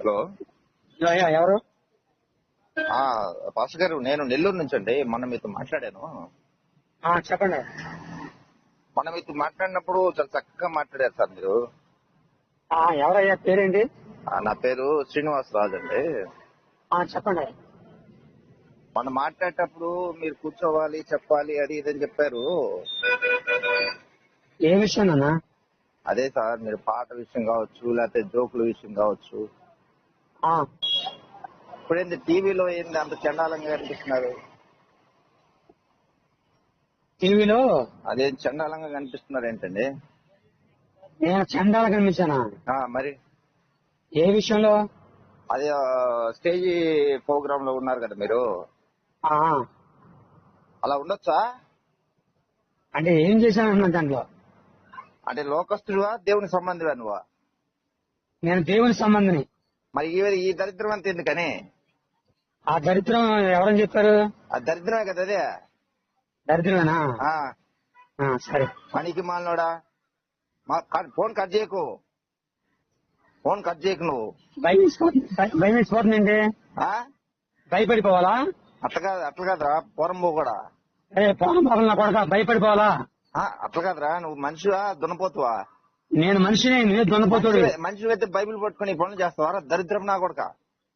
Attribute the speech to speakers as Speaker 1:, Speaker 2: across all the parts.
Speaker 1: Hello.
Speaker 2: ఎవరు?
Speaker 1: Pastor గారు, నేను నెల్లూరు నుంచి అండి. మొన్న మీతో మాట్లాడాను.
Speaker 2: చెప్పండి.
Speaker 1: మొన్న మీతో మాట్లాడినప్పుడు చాలా చక్కగా మాట్లాడారు సార్ మీరు.
Speaker 2: ఎవరయ్యా? పేరేంటి?
Speaker 1: నా పేరు శ్రీనివాస్ రాజు అండి.
Speaker 2: చెప్పండి.
Speaker 1: మొన్న మాట్లాడేటప్పుడు మీరు కూర్చోవాలి, చెప్పాలి, అది ఇదని చెప్పారు.
Speaker 2: ఏ విషయం అన్నా?
Speaker 1: అదే సార్, మీరు పాట విషయం కావచ్చు, లేకపోతే జోకుల విషయం కావచ్చు. ఇప్పుడేంది టీవీలో ఏంది అంత చండాలంగా కనిపిస్తున్నారు?
Speaker 2: టీవీలో
Speaker 1: అదేం చండాలంగా కనిపిస్తున్నారు ఏంటండి?
Speaker 2: నేను చండాల కనిపించానా?
Speaker 1: మరి
Speaker 2: ఏ విషయంలో?
Speaker 1: అదే స్టేజ్ ప్రోగ్రామ్ లో ఉన్నారు కదా మీరు. అలా ఉండొచ్చా?
Speaker 2: అంటే ఏం చేశానన్నా దాంట్లో?
Speaker 1: అంటే లోకస్తుడువా, దేవుని సంబంధివా నువ్వా?
Speaker 2: నేను దేవుని సంబంధిని.
Speaker 1: మరి ఈ దరిద్రం అంత ఎందుకని?
Speaker 2: ఆ దరిద్రం ఎవరని చెప్పారు?
Speaker 1: ఆ దరిద్రమే కదా అదే.
Speaker 2: దరిద్రమేనా? సరే.
Speaker 1: పనికి మాలినోడా, ఫోన్ కట్ చేయకు, ఫోన్ కట్ చేయకు నువ్వు.
Speaker 2: భయం వేసిపోతుందండి. భయపడిపోవాలా?
Speaker 1: అట్లా కాదురా పోరంబో కూడా.
Speaker 2: పోరం పోవాలన్నా కొడక భయపడిపోవాలా?
Speaker 1: అట్లా కాదురా, నువ్వు మనిషివా దున్నపోతువా?
Speaker 2: నేను మనిషిని, నువ్వే దున్నపోతుడు.
Speaker 1: మనిషి అయితే బైబిల్ పట్టుకుని పనులు చేస్తావా? దరిద్రం నా కొడక.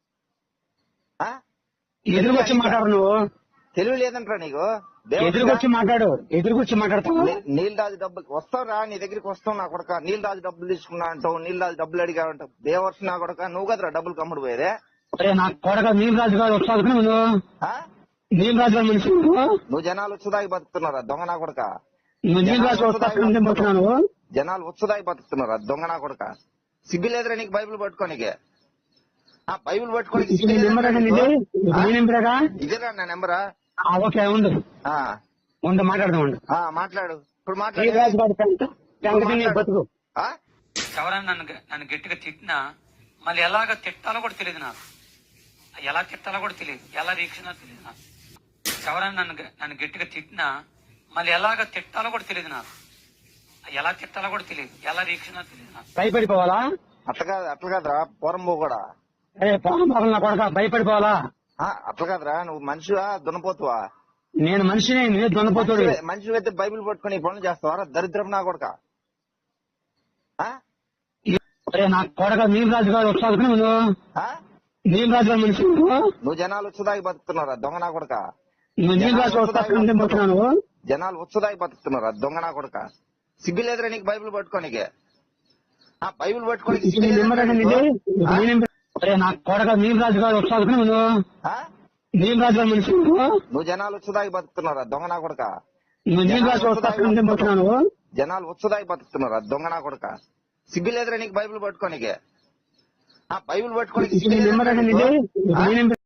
Speaker 2: ఎదురుకొచ్చి మాట్లాడు. నువ్వు
Speaker 1: తెలివి లేదంటారా నీకు?
Speaker 2: ఎదురుకొచ్చి మాట్లాడు. ఎదురుకొచ్చి మాట్లాడతావు.
Speaker 1: నీళ్ళరాజు డబ్బులు వస్తావురా, నీ దగ్గరికి వస్తావు నా కొడక. నీళ్ళరాజు డబ్బులు తీసుకున్నా అంటావు, నీళ్ళరాజు డబ్బులు అడిగా అంటావు. దేవర్షి నా కొడక, నువ్వు కదరా డబ్బులు కమ్ముడు పోయేదే.
Speaker 2: నా కొడక నీలరాజు గారు వస్తావు. నువ్వు నీలరాజు గారు మనిషి.
Speaker 1: నువ్వు జనాలు వచ్చేదాకి బతుకుతున్నారా దొంగ నా కొడక?
Speaker 2: నువ్వు నీలరాజు వస్తున్నావు.
Speaker 1: జనాలు వచ్చేదాకి బతుకుతున్నారా దొంగ నా కొడక? సిగ్గు లేదురా నీకు బైబిల్ పట్టుకోనికే? బైబిల్ పట్టుకోనికి ఇదేరా నా నెంబరా?
Speaker 2: ఓకే, ఉండు ఉండు మాట్లాడదాం. ఉండు
Speaker 1: మాట్లాడు ఇప్పుడు. మాట్లాడు.
Speaker 3: ఎవరైనా నన్ను గట్టిగా తిట్టినా మళ్ళీ ఎలాగ తిట్టాలో కూడా తెలియదు నాకు. ఎలా తిట్టాలో కూడా తెలియదు, ఎలా రీక్షణ తెలియదు నాకు. ఎవరైనా నన్ను గట్టిగా తిట్టినా మళ్ళీ ఎలాగ తిట్టాలో కూడా తెలియదు నాకు. ఎలా తిట్టాలో కూడా తెలియదు, ఎలా రీక్షణ తెలియదు నాకు.
Speaker 2: భయపడిపోవాలా?
Speaker 1: అట్లా కాదురా పోరంబో కూడా.
Speaker 2: పోరం పోవాలన్నా కొడక భయపడిపోవాలా?
Speaker 1: అట్లా కాదురా, నువ్వు మనిషివా దున్నపోతువా?
Speaker 2: నేను మనిషిని, నువ్వే దున్నపోతుడు.
Speaker 1: మనిషి అయితే బైబిల్ పట్టుకుని పనులు చేస్తావా? దరిద్రం నా కొడక.
Speaker 2: నా కొడక నీలరాజు గారు వస్తావు. నువ్వు నీలరాజు గారు మనిషి.
Speaker 1: నువ్వు జనాలు వచ్చేదాకి బతుకుతున్నారా దొంగ నా కొడక?
Speaker 2: నువ్వు నీలరాజు వస్తున్నావు.
Speaker 1: జనాలు వచ్చేదాకి బతుకుతున్నారా దొంగ నా కొడక? సిగ్గు లేదురా నీకు బైబిల్ పట్టుకోనికే? బైబిల్ పట్టుకోని
Speaker 2: నా కొడక నీలరాజు గారు వస్తావు. నువ్వు నీలరాజు గారు మనిషి.
Speaker 1: నువ్వు జనాలు వచ్చేదాకి బతుకుతున్నారా దొంగ నా కొడక?
Speaker 2: నువ్వు నీలరాజు వస్తున్నావు.
Speaker 1: జనాలు వచ్చేదాకి బతుకుతున్నారా దొంగ నా కొడక? సిగ్గు లేదురా నీకు బైబిల్ పట్టుకోనికే? బైబిల్ పట్టుకోని